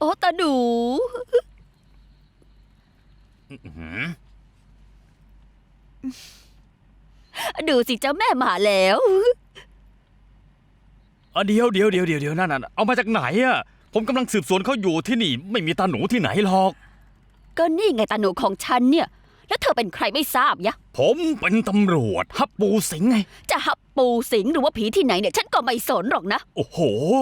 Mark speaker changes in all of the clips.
Speaker 1: อ้ตาหนูดูสิเจ้าแม่มาแล้ว
Speaker 2: เดี๋ยวนั่นเอามาจากไหนอะผมกำลังสืบสวนเขาอยู่ที่นี่ไม่มีตาหนูที่ไหนหรอก
Speaker 1: ก็นี่ไงตาหนูของฉันเนี่ยแล้วเธอเป็นใครไม่ทราบยะ
Speaker 2: ผมเป็นตำรวจฮับปูสิงไง
Speaker 1: จะหับปูสิงหรือว่าผีที่ไหนเนี่ยฉันก็ไม่สนหรอกนะ
Speaker 2: โอ้โห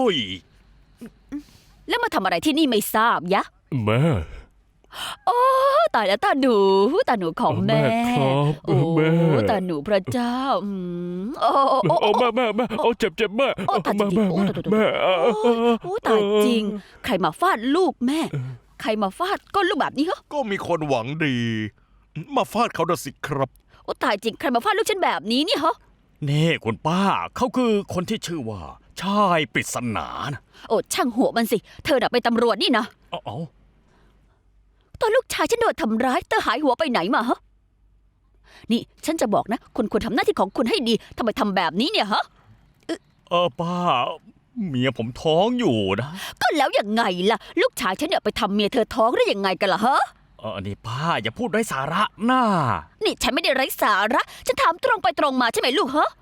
Speaker 1: แล้วมาทำอะไรที่นี่ไม่ทราบยะ
Speaker 3: แม่
Speaker 1: โอ้ตายแล้วตาหนูของแม่
Speaker 3: ครับ
Speaker 1: โอ้
Speaker 3: แม่
Speaker 1: ตาหนูพระเจ้าโอ้
Speaker 3: แม่เอาเจ็บแม่
Speaker 1: โอ้ตายจริง
Speaker 3: แม่
Speaker 1: โอ้ตายจริงใครมาฟาดลูกแม่ใครมาฟาดก้นลูกแบบนี้เหรอ
Speaker 4: ก็มีคนหวังดีมาฟาดเขาน่ะสิครับ
Speaker 1: โอ้ตายจริงใครมาฟาดลูกฉันแบบนี้เนี่ยเหรอ
Speaker 2: นี่คุณป้าเขาคือคนที่ชื่อว่าชายปริศนานะ
Speaker 1: โอ้ช่างหัวมันสิเธอน่ะเป็นตำรวจนี่นะ
Speaker 2: เอา
Speaker 1: ตอนลูกชายฉันโดนทำร้ายเธอหายหัวไปไหนมาฮะนี่ฉันจะบอกนะคุณควรทำหน้าที่ของคุณให้ดีทำไมทำแบบนี้เนี่ยฮะ
Speaker 2: ป้าเมียผมท้องอยู่นะ
Speaker 1: ก็แล้วยังไงล่ะลูกชายฉันเนี่ยไปทำเมียเธอท้องได้ยังไงกันล่ะฮะ
Speaker 2: นี่ป้าอย่าพูดไร้สาระน่า
Speaker 1: นี่ฉันไม่ได้ไร้สาระฉันถามตรงไปตรงมาใช่ไหมลูกฮะ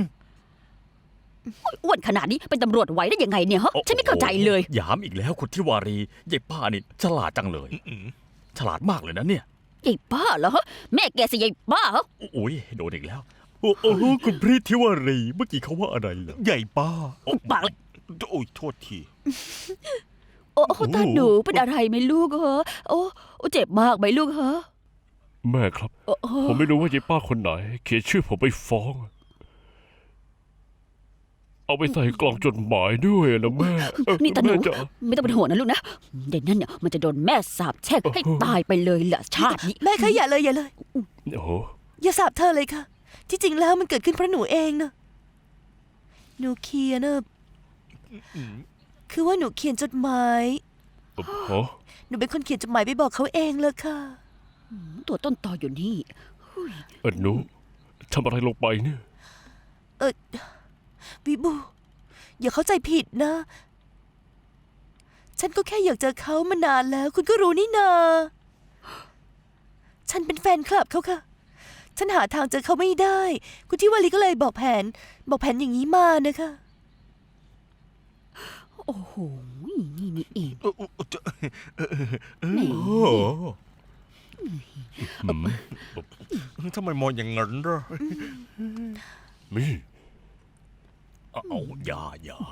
Speaker 1: อ้วนขนาดนี้เป็นตำรวจไหวได้ยังไงเนี่ยฮะฉันไม่เข้าใจเลย
Speaker 2: ยามอีกแล้วคุณทิวารียายป้านี่ฉลาดจังเลยฉลาดมากเลยนะเนี่ย
Speaker 1: ยายป้าเหรอฮะแม่แกสิยายป้าเหรอ
Speaker 2: โอ้ยโดนอีกแล้วโอ้คุณพริทิวารีเมื่อกี้เขาว่าอะไรเหรอ
Speaker 4: ใหญ่ป้า
Speaker 1: ปากเลย
Speaker 4: โอ้ยโทษที
Speaker 1: โอ้ตาหนูเป็นอะไรไหมลูกฮะโอ้เจ็บมากไหมลูกฮะ
Speaker 3: แม่ครับผมไม่รู้ว่ายายป้าคนไหนเขียนชื่อผมไปฟ้องเอาไปใส่กล่องจดหมายด้วยนะแม่
Speaker 1: นี่ตาหนูไม่ต้องเป็นห่วงนะลูกนะเดี๋ยวนั้นเนี่ยมันจะโดนแม่สาปแช่งให้ตายไปเลยแหละชาตินี้
Speaker 5: แม่คะอย่าเลย
Speaker 3: โอ้
Speaker 5: อย่าสาปเธอเลยค่ะที่จริงแล้วมันเกิดขึ้นเพราะหนูเองนะหนูเขียนนะคือว่าหนูเขียนจดหมายหนูเป็นคนเขียนจดหมายไปบอกเขาเองเลยค่ะ
Speaker 1: ตัวต้นตออยู่นี่
Speaker 3: หนูทำอะไรลงไปเนี่ย
Speaker 5: วิบูอย่าเข้าใจผิดนะฉันก็แค่อยากเจอเขามานานแล้วคุณก็รู้นี่นาฉันเป็นแฟนคลับเขาค่ะฉันหาทางเจอเขาไม่ได้คุณทิวารีก็เลยบอกแผนอย่างนี้มานะคะ
Speaker 1: โอ้โหนี่เอง
Speaker 4: ทำไมมองอย่างนั้นล่ะ
Speaker 3: มี่
Speaker 2: เอาอย่า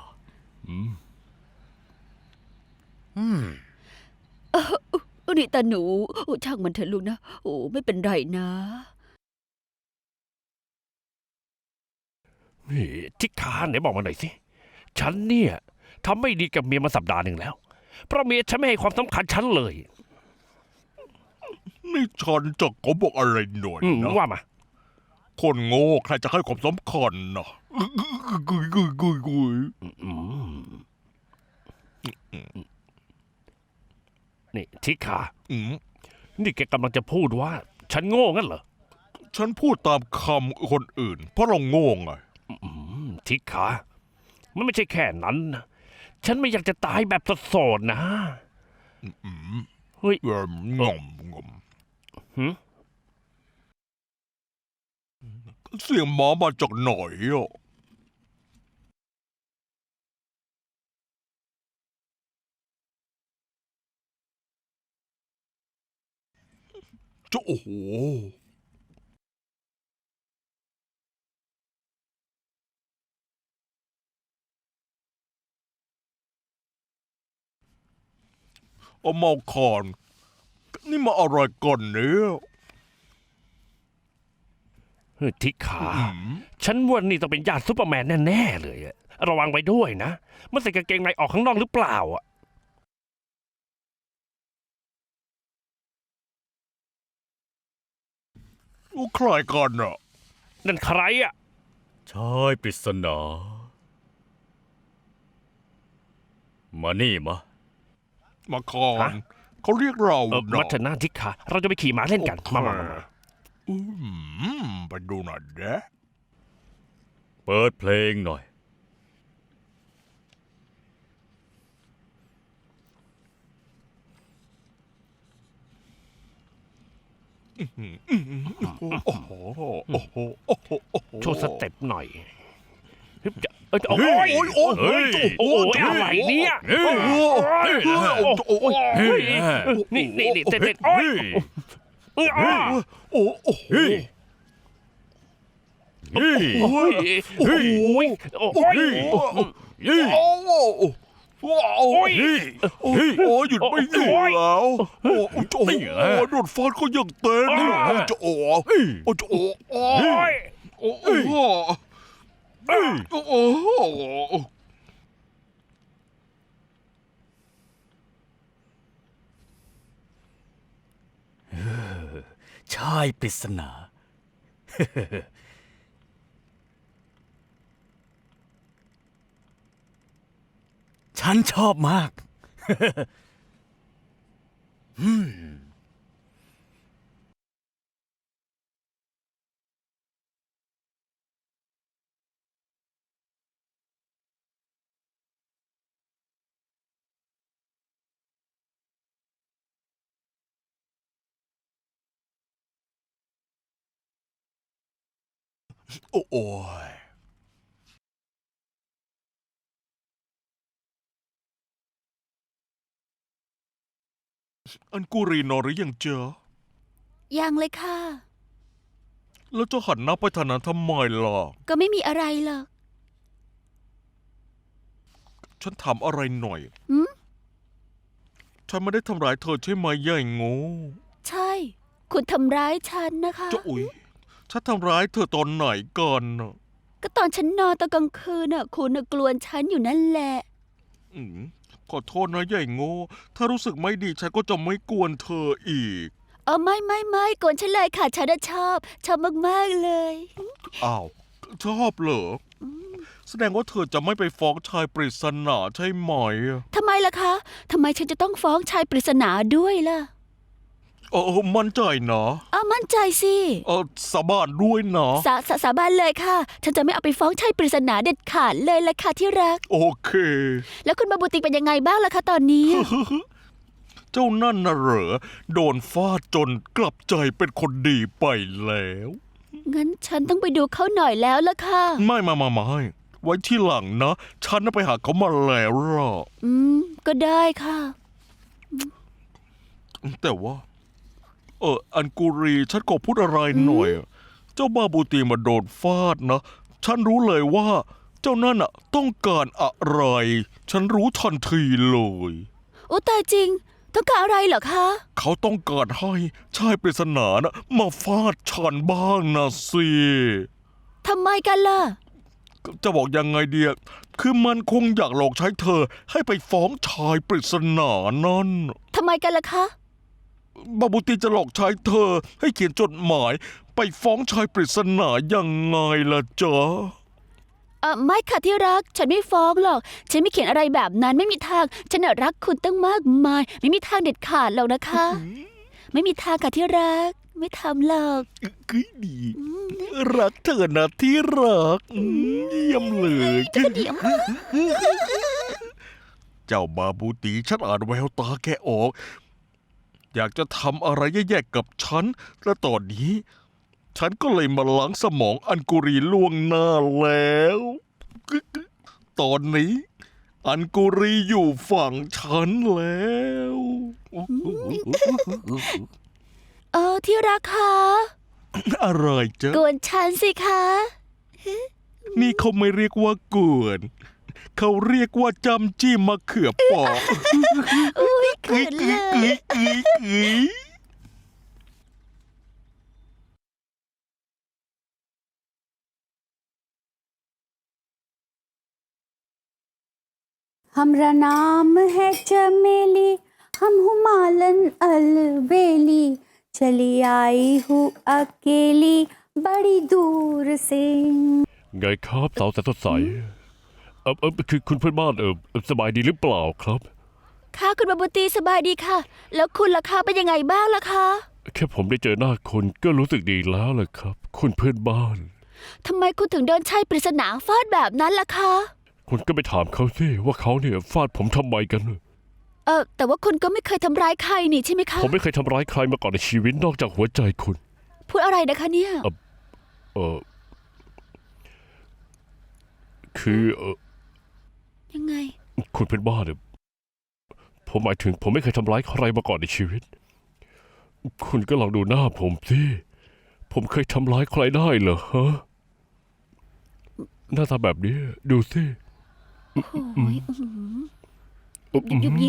Speaker 1: นี่ตาหนูช่างมันเถอะลูกนะโอ้ไม่เป็นไรนะ
Speaker 3: นี่ทิคาไหนบอกมาหน่อยสิฉันเนี่ยทำไม่ดีกับเมียมาสัปดาห์หนึ่งแล้วเพราะเมียฉันไม่ให้ความสำคัญฉันเลย
Speaker 4: นี่ฉันจะขอบอกอะไรหน่อยนะ
Speaker 3: ว่ามา
Speaker 4: คนโง่ใครจะให้ความสำคัญนะ
Speaker 3: นี่ทิคานี่แกกำลังจะพูดว่าฉันโง่งั้นเหรอ
Speaker 4: ฉันพูดตามคำคนอื่นเพราะเราโง่ไง
Speaker 3: ทิคามันไม่ใช่แค่นั้นนะฉันไม่อยากจะตายแบบโสดๆนะ
Speaker 4: เฮ้ยงอมเสียงหมามาจากไหนอ่ะจะโอ้โหเอาเมาคอนนี่มาอะไรก่อนเนี่ย
Speaker 3: ทิขาฉันว่านี่ต้องเป็นญาติซูเปอร์แมนแน่ๆเลยระวังไว้ด้วยนะมันใส่กางเกงในออกข้างนอกหรือเปล่า
Speaker 4: ใครกันอ่ะ
Speaker 3: นั่นใครอ่ะ
Speaker 2: ชายปริศนามานี่
Speaker 4: มาคอนเขาเรียกเรา
Speaker 3: มัทนาทิขาเราจะไปขี่ม้าเล่นกันมา
Speaker 4: ไปดูหน่อยเด้
Speaker 2: เปิดเพลงหน่อย
Speaker 4: อโอ้โหโอ้โหโอ้โหโอ้โห
Speaker 3: โชว์สเต็ปหน่อยฮึบจะโอ้ย
Speaker 4: โอ้ยโอ้ย
Speaker 3: เฮ้ยโอ้ยอะไรเนี่ยโอ้ยโอ้ยนี่เต้นโอ้ยโอ้ย
Speaker 4: โอ้โอ้โห
Speaker 3: โอ้ยโอ้ยโอ้ยโอ้ย
Speaker 4: โอ้โหโอ้ยโอ้ยโอ้ยหยุดไม่อยู่แล้วโอ้โหโอ้โหโดนฟาดก็ยังเต้นโอ้โหโอ้โหโอ้ยโอ้โหโอ้โห
Speaker 2: ชายปริศนา ฉันชอบมาก
Speaker 4: โอ้โอ้ยอันกูรีนอนหรือยังเจอ
Speaker 1: ยังเลยค่ะ
Speaker 4: แล้วจะหันหน้าไปทางนั้นทำไมล่ะ
Speaker 1: ก็ไม่มีอะไรหรอก
Speaker 4: ฉันถามอะไรหน่อย
Speaker 1: หืม
Speaker 4: ฉันไม่ได้ทำร้ายเธอใช่ไหมย่ายโง่
Speaker 1: ใช่ คุณทำร้ายฉันนะคะ
Speaker 4: เจ้าอุ๋ยฉันทำร้ายเธอตอนไหนก่อนน่ะ
Speaker 1: ก็ตอนฉันนอนตอนกลางคืนน่ะ คุณน่ะกลวนฉันอยู่นั่นแหละ
Speaker 4: อืมขอโทษนะย่ายโง่ ถ้ารู้สึกไม่ดีฉันก็จะไม่กวนเธออีก
Speaker 1: ไม่กวนฉันเลยค่ะ ฉันน่ะชอบมากๆเลย
Speaker 4: อ้าว ชอบเหรอ แสดงว่าเธอจะไม่ไปฟ้องชายปริศนาใช่ไหม
Speaker 1: ทำไมล่ะคะทำไมฉันจะต้องฟ้องชายปริศนาด้วยล่ะ
Speaker 4: มั่นใจนะ
Speaker 1: มั่นใจสิ
Speaker 4: สาบานด้วยนะ
Speaker 1: สาบานเลยค่ะ ฉันจะไม่เอาไปฟ้องชายปริศนาเด็ดขาดเลยล่ะค่ะที่รัก
Speaker 4: โอเค
Speaker 1: แล้วคุณบาบูติเป็นยังไงบ้างล่ะคะตอนนี้
Speaker 4: เจ้านั่นน่ะเหรอ โดนฟาดจนกลับใจเป็นคนดีไปแล้ว
Speaker 1: งั้นฉันต้องไปดูเขาหน่อยแล้วล่ะค่ะ
Speaker 4: ไม่ไว้ที่หลังนะ ฉันน่ะไปหาเขามาแล้วล่ะ
Speaker 1: ก็ได้ค่ะ
Speaker 4: แต่ว่า อันกูรีฉันขอพูดอะไรหน่อย เจ้าบาบูตีมาโดนฟาดนะ ฉันรู้เลยว่า เจ้านั่นอ่ะต้องการอะไร ฉันรู้ทันทีเลย
Speaker 1: โอ้ตายจริง ต้องการอะไรเหรอคะ
Speaker 4: เขาต้องการให้ชายปริศนานะมาฟาดฉันบ้างนะสิ
Speaker 1: ทำไมกันล่ะ
Speaker 4: จะบอกยังไงเดียคือมันคงอยากหลอกใช้เธอให้ไปฟ้องชายปริศนานั่น
Speaker 1: ทำไมกันล่ะคะ
Speaker 4: บาบูตีจะหลอกใช้เธอให้เขียนจดหมาย ไปฟ้องชายปริศนายังไงล่ะจ๊ะ
Speaker 1: ไม่ค่ะที่รัก ฉันไม่ฟ้องหรอก ฉันไม่เขียนอะไรแบบนั้นไม่มีทาง ฉันน่ะรักคุณตั้งมากมาย ไม่มีทางเด็ดขาดหรอกนะคะ ไม่มีทางค่ะที่รัก ไม่ทำหรอก
Speaker 4: คือดี รักเธอนะที่รักเยี่ยมเลย
Speaker 1: เดี๋ยว
Speaker 4: เจ้าบาบูตีฉันอ่านแววตาแกออก อยากจะทำอะไรแย่ๆกับฉัน และตอนนี้ ฉันก็เลยมาล้างสมองอันกุรีล่วงหน้าแล้ว ตอนนี้ อันกุรีอยู่ฝั่งฉันแล้ว
Speaker 1: ที่รักคะ
Speaker 4: อะไรจ๊ะ
Speaker 1: กวนฉันสิคะ
Speaker 4: นี่เขาไม่เรียกว่ากวน เขาเรียกว่าจำจี้มะเขือเปอก
Speaker 1: อุ้ยเขินเลย
Speaker 6: हमरा नाम है चमेली हम हुमालन अलबेली चली आई हूँ अकेली बड़ी दूर से
Speaker 3: ไงครับสาวแสนสดใสคือคุณเพื่อนบ้านสบายดีหรือเปล่าครับ
Speaker 1: ค่ะคุณบาบูตีสบายดีค่ะ แล้วคุณล่ะคะเป็นยังไงบ้างล่ะคะ
Speaker 3: แค่ผมได้เจอหน้าคุณก็รู้สึกดีแล้วล่ะครับ คุณเพื่อนบ้าน
Speaker 1: ทำไมคุณถึงโดนชายปริศนาฟาดแบบนั้นล่ะคะ
Speaker 3: คุณก็ไปถามเขาสิว่าเขาเนี่ยฟาดผมทำไมกัน
Speaker 1: แต่ว่าคุณก็ไม่เคยทำร้ายใครนี่ใช่ไหมคะ
Speaker 3: ผมไม่เคยทำร้ายใครมาก่อนในชีวิตนอกจากหัวใจคุณ
Speaker 1: พูดอะไรนะคะเนี่ย
Speaker 3: เออคือ
Speaker 1: ยังไง
Speaker 3: คุณเป็นบ้าเนี่ยผมหมายถึงผมไม่เคยทำร้ายใครมาก่อนในชีวิต คุณก็ลองดูหน้าผมสิผมเคยทำร้ายใครได้เหรอฮะหน้าตาแบบนี้ดูสิ
Speaker 1: โอ้ยยุบยิบ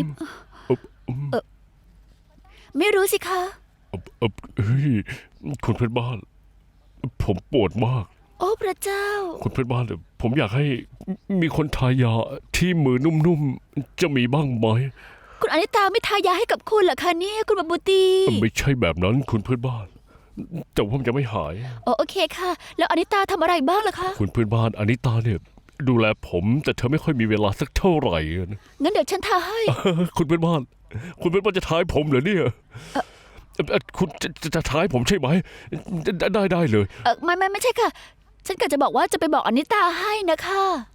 Speaker 1: ไม่รู้สิคะ
Speaker 3: เฮ้ยคุณเพื่อนบ้าน ผมปวดมาก
Speaker 1: โอ้พระเจ้า
Speaker 3: คุณเพื่อนบ้านเนี่ยผมอยากให้มีคนทายาที่มือนุ่มๆจะมีบ้างไหม
Speaker 1: คุณอนิตาไม่ทายาให้กับคุณเหรอคะเนี่ยคุณบาบูตี
Speaker 3: ไม่ใช่แบบนั้นคุณเพื่อนบ้าน แต่ผมจะไม่หาย
Speaker 1: โอเคค่ะ แล้วอนิตาทำอะไรบ้างล่ะคะ
Speaker 3: คุณเพื่อนบ้านอนิตาเนี่ยดูแลผมแต่เธอไม่ค่อยมีเวลาสักเท่าไหร่นะ
Speaker 1: งั้นเดี๋ยวฉันทาให้
Speaker 3: คุณเพื่อนบ้าน คุณเพื่อนบ้านจะท้ายผมเหรอเนี่ยคุณจะท้ายผมใช่ไหมได้เลย
Speaker 1: ไม่ใช่ค่ะ ฉันก็จะบอกว่าจะไปบอกอนิตาให้นะคะ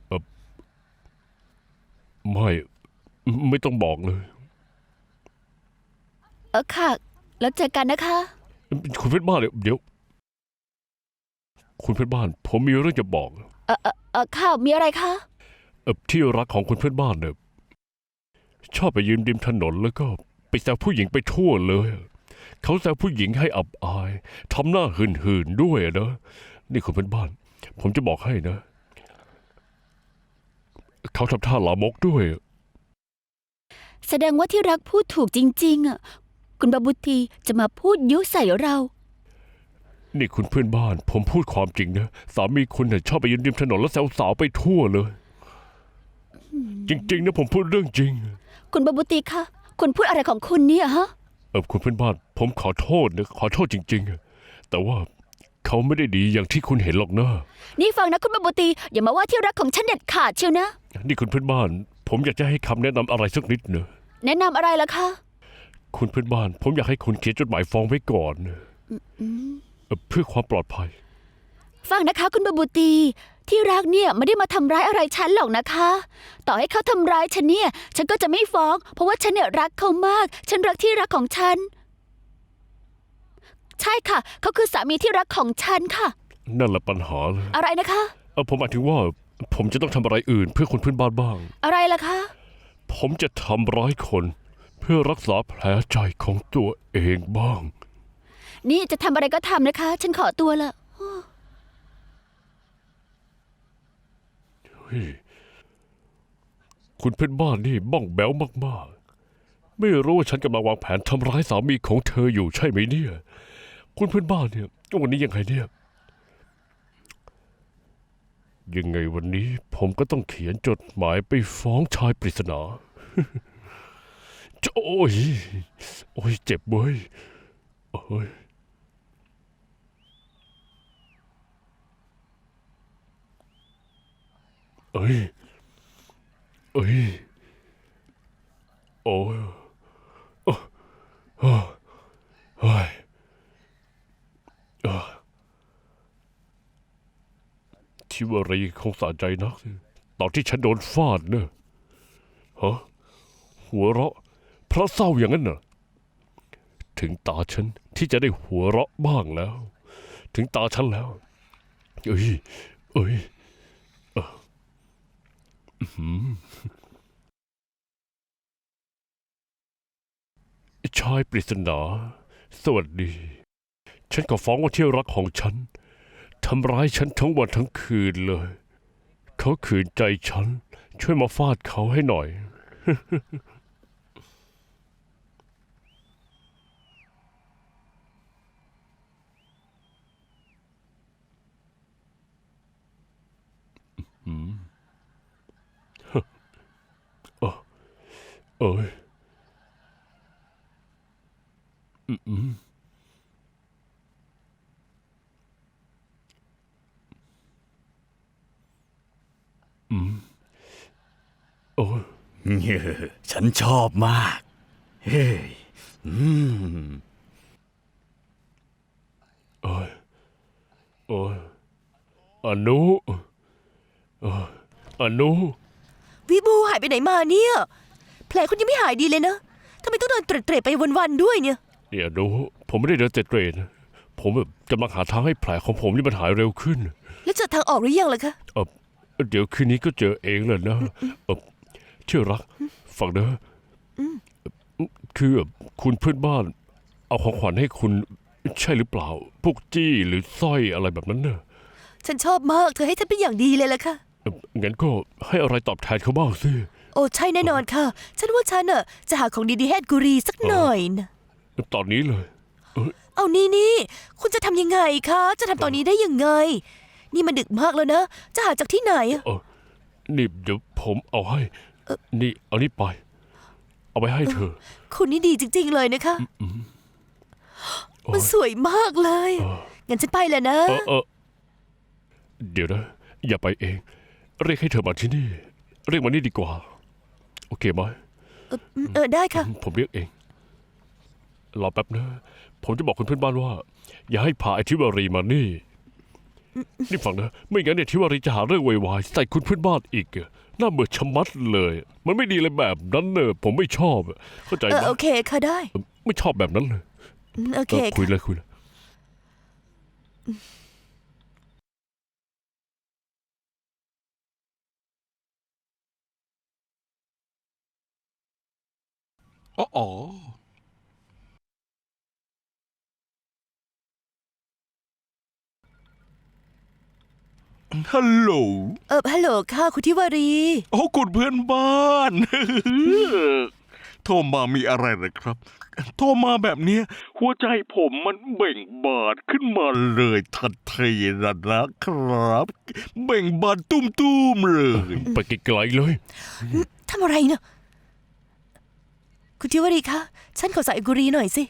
Speaker 3: ไม่ต้องบอกเลย
Speaker 1: ค่ะ แล้วเจอกันนะคะ
Speaker 3: คุณเพื่อนบ้านเดี๋ยว คุณเพื่อนบ้าน ผมมีเรื่องจะบอก
Speaker 1: ค่ะ มีอะไรคะ
Speaker 3: ที่รักของคุณเพื่อนบ้านเนี่ยชอบไปยืนริมถนนแล้วก็ไปแซวผู้หญิงไปทั่วเลย เขาแซวผู้หญิงให้อับอายทำหน้าหื่นๆด้วยนะนี่คุณเพื่อนบ้าน ผมจะบอกให้นะ เขาทำท่าลามกด้วย
Speaker 1: แสดงว่าที่รักพูดถูกจริงๆอ่ะคุณบาบูตีจะมาพูดยุใส่เรา
Speaker 3: นี่คุณเพื่อนบ้าน ผมพูดความจริงนะสามีคุณเนี่ยชอบไปยืนริมถนนแล้วแซวสาวไปทั่วเลย จริงๆนะผมพูดเรื่องจริง
Speaker 1: คุณบาบูตีคะคุณพูดอะไรของคุณเนี่ยฮะ
Speaker 3: คุณเพื่อนบ้าน ผมขอโทษนะขอโทษจริงๆแต่ว่าเขาไม่ได้ดีอย่างที่คุณเห็นหรอกนะ
Speaker 1: นี่ฟังนะคุณบาบูตีอย่ามาว่าที่รักของฉันเด็ดขาดเชียวนะ
Speaker 3: นี่คุณเพื่อนบ้าน ผมอยากจะให้คำแนะนำอะไรสักนิดเนอะ
Speaker 1: แนะนำอะไรล่ะคะ
Speaker 3: คุณเพื่อนบ้าน ผมอยากให้คุณเขียนจดหมายฟ้องไว้ก่อนเพื่อความปลอดภัย
Speaker 1: ฟังนะคะคุณบาบูตีที่รักเนี่ยไม่ได้มาทำร้ายอะไรฉันหรอกนะคะ ต่อให้เขาทำร้ายฉันเนี่ย ฉันก็จะไม่ฟ้อง เพราะว่าฉันเนี่ยรักเขามาก ฉันรักที่รักของฉัน ใช่ค่ะ เขาคือสามีที่รักของฉันค่ะ
Speaker 3: นั่นแหละปัญหาเลย
Speaker 1: อะไรนะคะ
Speaker 3: ผมหมายถึงว่า ผมจะต้องทำอะไรอื่น เพื่อคนเพื่อนบ้านบ้าง
Speaker 1: อะไรล่ะคะ
Speaker 3: ผมจะทำร้ายคน เพื่อรักษาแผลใจของตัวเองบ้าง
Speaker 1: นี่จะทำอะไรก็ทำนะคะ ฉันขอตัวละ
Speaker 3: คุณเพื่อนบ้านนี่บ้องแบ้วมากๆ ไม่รู้ว่าฉันกำลังวางแผนทำร้ายสามีของเธออยู่ใช่ไหมเนี่ย คุณเพื่อนบ้านเนี่ยวันนี้ยังไงเนี่ย ยังไงวันนี้ผมก็ต้องเขียนจดหมายไปฟ้องชายปริศนา โอ้ยเจ็บเว้ยโอ้ยเอ้ยโอ้ยโอ้ยทิวารีคงสะใจนักตอนที่ฉันโดนฟาดเนอะฮะหัวเราะเพราะเศร้าอย่างนั้นน่ะถึงตาฉันที่จะได้หัวเราะบ้างแล้ว ถึงตาฉันแล้วเอ้ยชายปริศนาสวัสดี ฉันก็ฟ้องว่าที่รักของฉันทำร้ายฉันทั้งวันทั้งคืนเลย เขาขืนใจฉัน ช่วยมาฟาดเขาให้หน่อย เอ้ยโอ้ย
Speaker 2: ฉันชอบมาก เฮ้ย
Speaker 3: โอ้ยอนุอนุ
Speaker 5: วิบูหายไปไหนมาเนี่ย แผผลคุณยังไม่หายดีเลยนะทำไมต้องเดินเตร็ดๆไปวันๆด้วยเนี่ย
Speaker 3: เนี่ยดูผมไม่ได้เดินเตร็ดๆนะผมแบบกำลังหาทางให้แผลของผมนี่มันหายเร็วขึ้น
Speaker 5: แล้วเจอทางออกหรือยังล่ะคะ
Speaker 3: เดี๋ยวคืนนี้ก็เจอเองแหละนะเชื่อรักฟังนะคือคุณเพื่อนบ้าน เอาของขวัญให้คุณใช่หรือเปล่า พวกจี้หรือสร้อยอะไรแบบนั้นเนอะ
Speaker 5: ฉันชอบมากเธอให้ฉันเป็นอย่างดีเลยล่ะค่ะ
Speaker 3: งั้นก็ให้อะไรตอบแทนเขาบ้างสิ
Speaker 5: โอ้ใช่แน่นอนค่ะ ฉันว่าฉันน่ะจะหาของดีๆให้กุรีสักหน่อยนะ
Speaker 3: ตอนนี้เลย
Speaker 5: เอานี่คุณจะทำยังไงคะจะทำตอนนี้ได้ยังไง นี่มันดึกมากแล้วนะจะหาจากที่ไหนอะ
Speaker 3: นี่เดี๋ยวผมเอาให้ นี่เอานี่ไป เอาไปให้เธอ
Speaker 5: คุณนี่ดีจริงๆเลยนะคะมันสวยมากเลยงั้นฉันไปแล้วนะ
Speaker 3: เดี๋ยวนะ อย่าไปเอง เรียกให้เธอมาที่นี่ เรียกมานี่ดีกว่า โอเคไหม
Speaker 5: ได้ค่ะ
Speaker 3: ผมเรียกเอง รอแป๊บนะ ผมจะบอกคุณเพื่อนบ้านว่า อย่าให้พาไอทิวารีมานี่ นี่ฟังนะ ไม่งั้นเนี่ยทิวารีจะหาเรื่องไวๆใส่คุณเพื่อนบ้านอีกอะน่าเบื่อชะมัดเลย มันไม่ดีเลยแบบนั้นเนอะผมไม่ชอบอะเข้าใจไหม
Speaker 5: โอเคค่ะได้
Speaker 3: ไม่ชอบแบบนั้นเลย
Speaker 5: โอเค
Speaker 3: คุย
Speaker 5: ค่ะ
Speaker 3: เลยคุยเลย
Speaker 4: อ๋อฮัลโหล
Speaker 5: ฮัลโหลค่ะคุณทิวารี
Speaker 4: โอ้คุณเพื่อนบ้าน โทรมามีอะไรเหรอครับ โทรมาแบบเนี้ยหัวใจผมมันเบ่งบานขึ้นมาเลยทันทีนะครับ เบ่งบานตุ้มๆเลย
Speaker 3: ไปไกลๆเลย
Speaker 5: ทำอะไรเนี่ยคุณทิวารีคะฉันขอใส่กุรีหน่อยสิ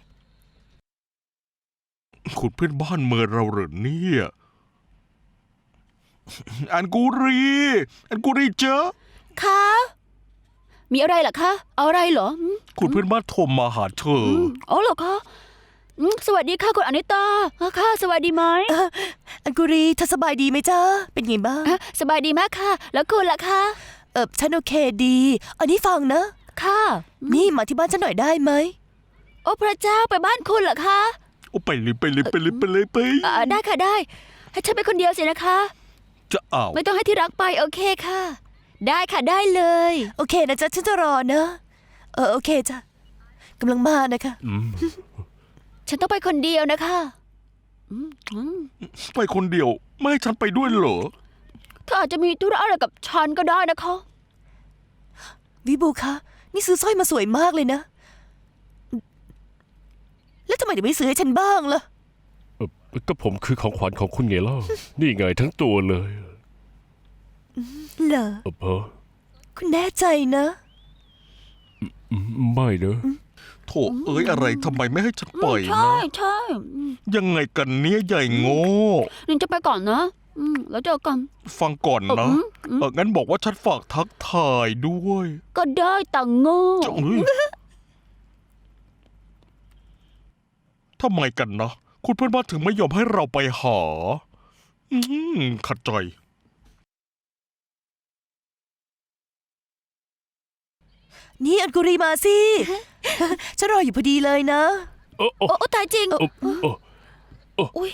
Speaker 4: คุณเพื่อนบ้านเมินเราเหรอเนี่ยอันกูรีเจอ
Speaker 1: คะมีอะไรเหรอคะเอาอะไรเหรอ
Speaker 4: คุณเพื่อนบ้านโทรมาหาเธอ
Speaker 1: อ๋อเหรอคะสวัสดีค่ะคุณอนิตาค่ะสวัสดีไหม
Speaker 5: อันกุรีเธอสบายดีไหมจ๊ะเป็นไงบ้าง
Speaker 1: สบายดีมากค่ะ แล้วคุณล่ะคะ
Speaker 5: ฉันโอเคดี อันนี้ฟังนะ
Speaker 1: ค่ะ
Speaker 5: นี่มาที่บ้านฉันหน่อยได้ไหม
Speaker 1: โอ้พระเจ้าไปบ้านคุณเหรอคะ
Speaker 4: โอ้ไปเลย
Speaker 1: ได้ค่ะได้ ให้ฉันไปคนเดียวสินะคะ
Speaker 4: จะเอา
Speaker 1: ไม่ต้องให้ที่รักไปโอเคค่ะ ได้ค่ะได้เลย
Speaker 5: โอเคนะจ๊ะฉันจะรอนะ โอเคจ้ะกำลังมานะคะ
Speaker 1: ฉันต้องไปคนเดียวนะคะ
Speaker 4: ไปคนเดียวไม่ให้ฉันไปด้วยเหรอ
Speaker 1: เธออาจจะมีธุระอะไรกับฉันก็ได้นะคะ
Speaker 5: วิบูคะนี่ซื้อสร้อยมาสวยมากเลยนะ แล้วทำไมถึงไม่ซื้อให้ฉันบ้างล่ะ
Speaker 3: ก็ผมคือของขวัญของคุณไงเล่า นี่ไงทั้งตัวเลย
Speaker 5: เหรอ คุณแน่ใจนะ
Speaker 3: ไม่เนอะ
Speaker 4: โถเอ้ยอะไรทำไมไม่ให้ฉันไป
Speaker 1: ใช่
Speaker 4: นะ
Speaker 1: ใช่
Speaker 4: ยังไงกันเนี้ยใหญ่โง่
Speaker 1: นี่จะไปก่อนนะแล้วเจอกัน
Speaker 4: ฟังก่อนนะงั้นบอกว่าฉันฝากทักทายด้วย
Speaker 1: ก็ได้แต่โง่
Speaker 4: จะทำไมกันนะ คุณเพื่อนบ้านถึงไม่ยอมให้เราไปหา ขัดใจ
Speaker 5: นี่อันกุรีมาสิ ฉันรออยู่พอดีเลยนะ
Speaker 3: โอ้
Speaker 1: โอ้ตายจริง
Speaker 3: อุ๊ย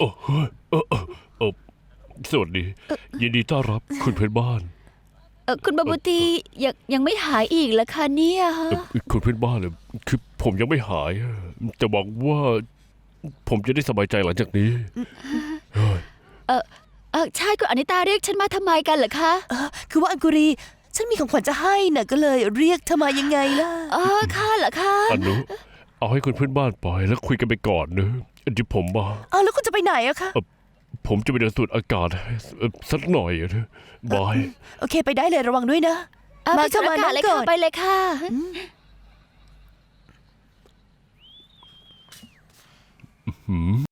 Speaker 3: สวัสดี ยินดีต้อนรับคุณเพื่อนบ้าน
Speaker 1: คุณบาบูตียังไม่หายอีกเหรอคะเนี่ยฮะ
Speaker 3: คุณเพื่อนบ้านเลยคือผมยังไม่หายอะจะบอกว่า ผมจะได้สบายใจหลังจากนี้
Speaker 1: ใช่คุณอนิตาเรียกฉันมาทำไมกันเหรอคะ
Speaker 5: คือว่าอันกุรีฉันมีของขวัญจะให้น่ะก็เลยเรียกเธอมายังไงล่ะ
Speaker 1: ค่ะเหรอคะ
Speaker 3: อนุเอาให้คุณเพื่อนบ้านไปแล้วคุยกันไปก่อนเนอะเดี๋ยวผมมา
Speaker 5: แล้วคุณจะไปไหนอะคะ
Speaker 3: ผมจะไปเดินสูดอากาศสักหน่อยอะเนอะบาย
Speaker 5: โอเคไปได้เลยระวังด้วยนะ มา
Speaker 1: เข้า
Speaker 5: เข้ามา
Speaker 1: มา
Speaker 5: นั่ง
Speaker 1: เลย
Speaker 5: ก่
Speaker 1: ค่ะ
Speaker 5: อน
Speaker 1: ไปเลยค่ะ
Speaker 3: หืม